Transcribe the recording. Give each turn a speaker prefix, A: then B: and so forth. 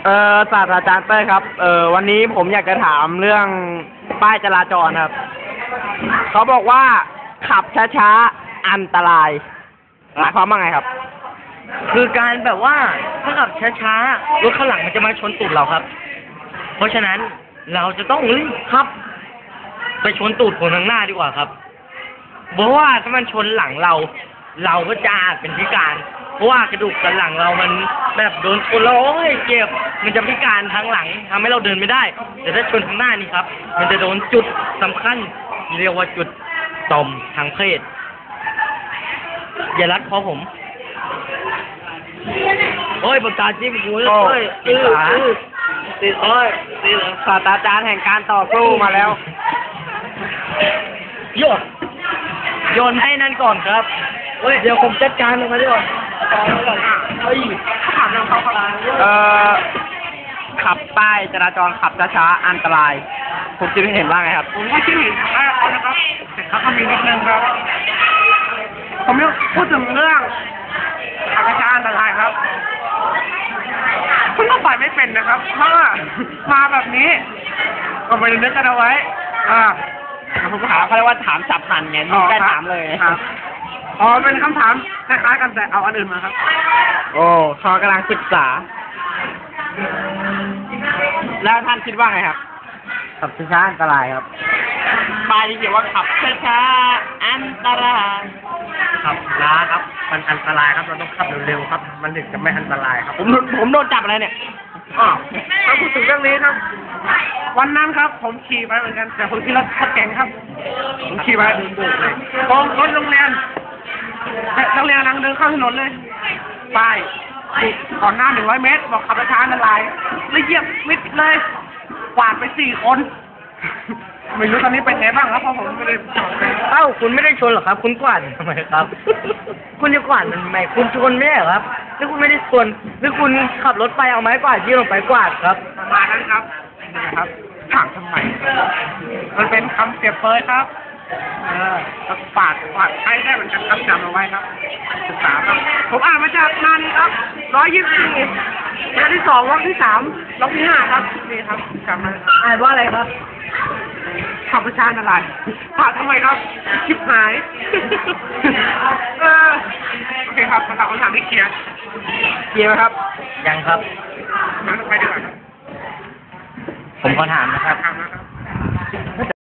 A: ศาสตราจารย์เต้ยครับ วันนี้ผมอยากจะถามเรื่องป้ายจราจรครับ เขาบอกว่าขับช้าๆอันตรายหมายความว่าไงครับ
B: คือการแบบว่าถ้าขับช้าๆรถข้างหลังมันจะมาชนตูดเราครับ เพราะฉะนั้นเราจะต้องรีบขับ ไปชนตูดคนข้างหน้าดีกว่าครับเพราะว่าถ้ามันชนหลังเรา เราก็จะอาจเป็นพิการ เพราะว่ากระดูกสันหลังเรามันแบบโดนชนแล้วโอ้ยเจ็บมันจะพิการทั้งหลังทำให้เราเดินไม่ได้แต่ถ้าชนข้างหน้านี่ครับ มันจะโดนจุดสำคัญเรียกว่าจุดต่อมทางเพศอย่ารัดคอผมโอ้ยประกาศจิ้มกูเลย
A: โอ้
B: เอ้ย
A: ติดขา
B: ติดโอ้ยติด
A: ศาสตราจารย์แห่งการต่อสู้มาแล้ว
B: โยนโยนให้นั่นก่อนครับเฮ้ยเดี๋ยวผมจัดการมันมาด้วยก่อนเฮ้ยถามเขาครับ
A: ขับป้ายจราจรขับช้าๆอันตราย ผมคิดเห็นว่าไงครับ
C: ผมก็คิดเห็นว่าเขานะครับแต่เขาก็มีนิดนึงครับ ผมจะพูดถึงเรื่องขับช้าๆอันตรายครับคุณก็ปล่อยไม่เป็นนะครับ เพราะว่ามาแบบนี้ก็ไปนึกกันเอาไว้
A: ผมถามเขาเรียกว่าถามฉับพลันไงไม่ได้ถามเลย
C: ครับเป็นคำถามคล้ายๆกันแต่เอาอันอื่นมาครับ
A: โอ้เขากำลังศึกษา แล้วท่านคิดว่าไงครับ
B: ขับช้าๆอันตรายครับ
A: ป้ายที่เขียนว่าขับช้าๆอันตราย
B: ขับช้าครับมันอันตรายครับเราต้องขับเร็วๆครับ มันถึงจะไม่อันตรายครับ
A: ผมโดนจับอะไรเนี่ย
C: ถ้าพูดถึงเรื่องนี้ครับ วันนั้นครับ ผมขี่ไปเหมือนกัน แต่ผมขี่รถขับแข่งครับ ผมขี่ไปตรงรถโรงเรียนนักเรียนกำลังเดินเข้าถนนเลยป้ายติดก่อนหน้า100 เมตร บอกขับช้าๆอันตรายเลยเหยียบมิดเลยกวาดไป4 คน ไม่รู้ตอนนี้เป็นไงบ้างครับเพราะผมไม่ได้
B: เอ้าคุณไม่ได้ชนหรอครับ คุณกวาดทำไมครับ คุณจะกวาดมันทำไมคุณชนไม่ใช่เหรอครับหรือคุณไม่ได้ชนหรือคุณขับรถไปเอาไม้กวาดยื่นลงไปกวาดครับ
C: ประมาณนั้นครับนะครับถามทำไม มันเป็นคำเปรียบเปรยครับฝากใช้ได้เหมือนกันครับจำเอาไว้ครับศึกษาครับผมอ่านมาจากงานนี้ครับ124งานที่2วรรคที่3วรรคที่5ครับนี่ครับจำมา
B: อ่านว่าอะไรครับ
C: ขับประชาอะไรฝากทำไมครับชิบหายโอเคครับมาตอบคำถามที่เคลียร์
A: เกียร์ไหมครับ
B: ยังครับ
C: งั้นไปดีกว่าครับ
B: ผมขอถามนะครับ
C: ถามนะครับ